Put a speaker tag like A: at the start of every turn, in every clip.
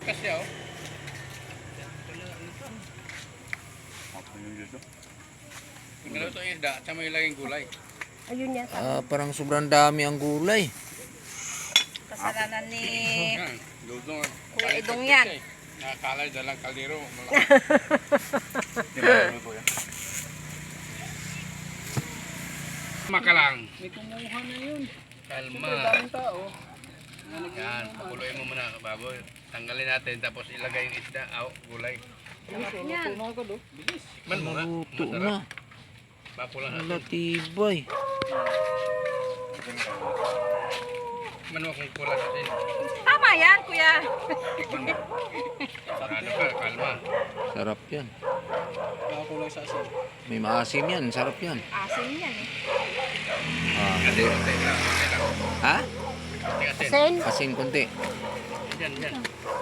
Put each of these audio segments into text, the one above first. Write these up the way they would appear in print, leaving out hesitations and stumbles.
A: Kasi oh. Tingnan ito isda, at may laging gulay.
B: Ayun yan.
C: Parang sobrang dami ang gulay.
D: Kasalanan ni
A: Yan, dudong.
D: Kuya Idong yan.
A: Nakakalay dalang kaldero. Makalang.
E: May kumuha na yun.
A: Kalma.
E: Daming tao.
A: Yan, pakuluin mo muna bago tanggalin natin tapos ilagay yung isda, gulay.
D: Yan.
E: Tuno agad oh. Bilis.
A: Man mo nga.
C: Naluto
A: Masarap.
C: na.
A: Bakulan
C: Wala
A: natin.
C: tibay.
A: Man mo kung kulang natin.
D: Tama yan, kuya.
A: Tikman mo. Ano ka, kalma.
C: Sarap yan.
E: Nakakulay sa asin.
C: May maasim yan. Sarap yan.
D: Asin yan eh.
A: Asin, konti lang. Konti lang.
C: Ha?
A: Konti asin.
B: Sen.
C: Asin konti.
A: Yan, yan.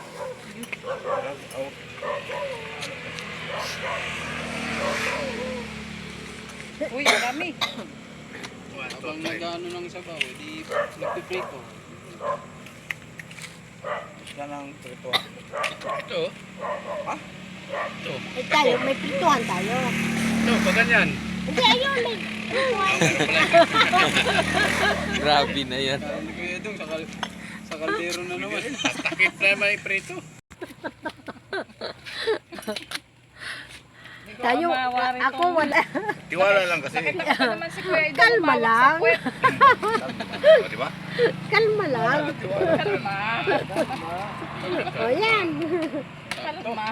D: Uy, marami.
E: Habang nag-ano ng sabaw, di nagpiprito. Isda ng prito.
A: Ito.
E: Ha?
A: Ito.
B: Eh tayo, may prituhan tayo.
A: Ito, pag ganyan.
B: Hindi, ayun, may prituhan.
A: Meron pala.
C: Grabe na yan.
E: Kaya ni Kuya Edong sa kaldero na naman.
A: Takip na may prito.
B: Tayo, ako wala.
A: Tiwala lang kasi.
D: Ito naman si Kuya Idong.
B: Kalma lang.
A: O, di ba?
B: Kalma lang.
D: Kalma.
B: O yan.
D: Kalma.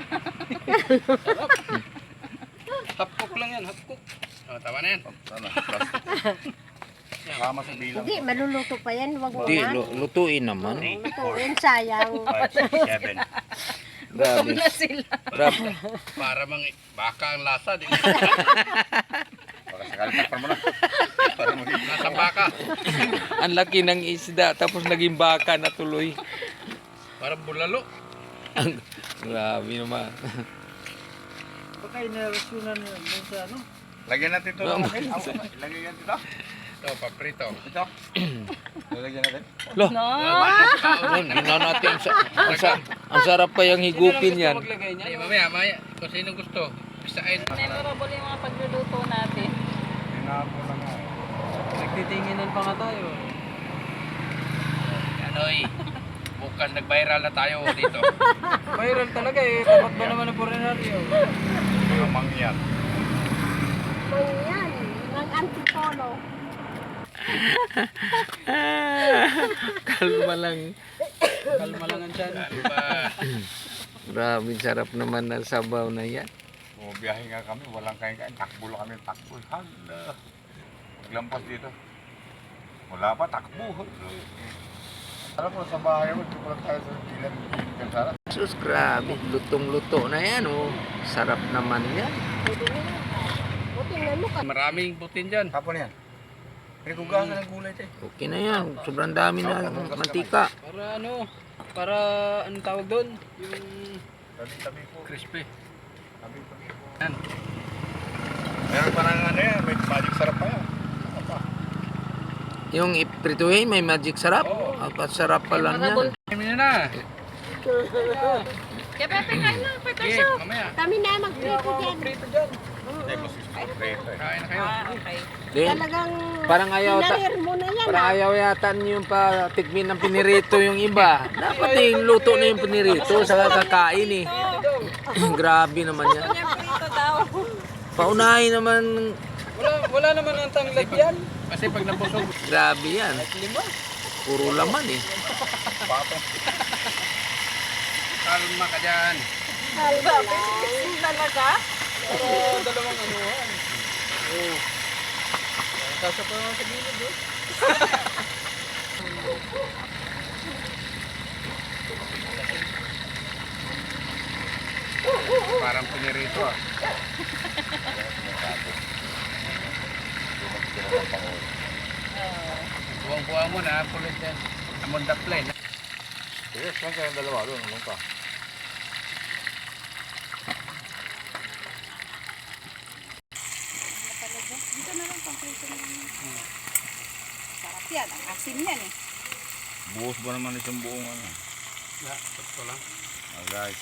E: Hapkok lang yan, hapkok.
A: O, tama na yan.
E: Sana, plastic. Kama sa bilang.
B: Hindi, maluluto pa yan. Wag mo
C: Hindi,
B: na.
C: lutuin naman.
B: Lutuin, sayang.
A: 7.
C: Grabe.
D: Na sila.
C: Grabe.
A: Para mang baka ang lasa. Di
E: Baka sakali takpan mo na. Para maging
A: nasa baka.
C: Ang laki ng isda tapos naging baka na tuloy.
A: Parang bulalo.
C: Grabe naman.
E: Baka inarasyonan yun dun sa ano. Lagyan natin ito. Lagyan natin ito.
A: Ito, paprito.
E: Ito. Lagyan natin.
C: Loh,
D: No.
C: ginawa natin. Ang sarap pa yung higupin yan.
E: Maglagay niya.
A: Ay, mamaya. Kung sino gusto. Pisain.
D: Memorable yung mga pagluluto natin.
E: Tinapo na nga. Nagtitinginan pa nga tayo.
A: Anoy. Bukas nag-viral na tayo dito.
E: Viral talaga eh. Tapat ba naman ang porenaryo? Mga mangyan.
B: Kung yan, ng antipolo.
C: Kalma lang.
E: Kalma lang ang tiyan.
A: Ano ba?
C: Grabe, sarap naman ng sabaw na yan.
F: Bumiyahe nga kami, walang kain-kain. Takbo lang kami, takbo. Hala. Paglampas dito. Wala pa, takbo. Sarap mo sa bahay mo, dito lang tayo sa ilan kansara.
C: Sus, grabe. Lutong-luto na yan, oh. Sarap naman yan.
B: O, tingnan mo ka.
A: Maraming butin dyan.
F: Hapon yan. Pinagkugasan ng gulay tayo.
C: Okay na yan. Sobrang dami na mantika.
E: Para ano? Para anong tawag doon? Yung
F: Tabi po.
A: Crispy.
F: Tabi po.
A: Yan.
F: Meron pa ng ano yan, may magic sarap pa yan. Ano pa?
C: Yung iprituhin, may magic sarap. Ang sarap pala niyan.
A: Kami na.
D: Kaya Pepe, kain na. Pepe,
A: Okay,
D: so.
A: mamaya.
B: Kami na magprito dyan.
E: prito dyan.
F: Hindi, mas prito eh.
A: Kain na kayo.
D: Okay.
C: Then,
B: Talagang
C: parang ayaw
B: pinarir mo na yan.
C: parang ayaw yata niyo yung patikmin ng pinirito yung iba. Dapat yung luto na yung pinirito sa kakain eh. Grabe naman yan.
D: Kanya prito daw.
C: Paunahin naman.
E: Wala naman ang tanglad yan.
A: Kasi pag nabusog.
C: Grabe yan.
E: Lima.
C: Puro laman eh.
A: Kalma ka dyan.
D: Grabe, sikisin talaga.
E: Pero dalawang anuhan. Oo. Kasya pa naman sa gilid eh.
A: Parang pinirito ah. Buwang-buwang mo na. Kulit yan. Amon the plane.
F: Sige, saan kayong dalawa doon? Anong pa?
D: Dito na lang, pang-prito na lang. Sarap yan. Ang asin yan eh.
F: Buhos ba naman isang buong ano?
A: Sakto lang.
F: Oh, guys.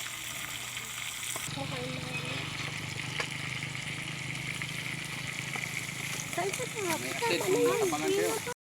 B: Saan sa mga?
A: May update, mga abangan kayo.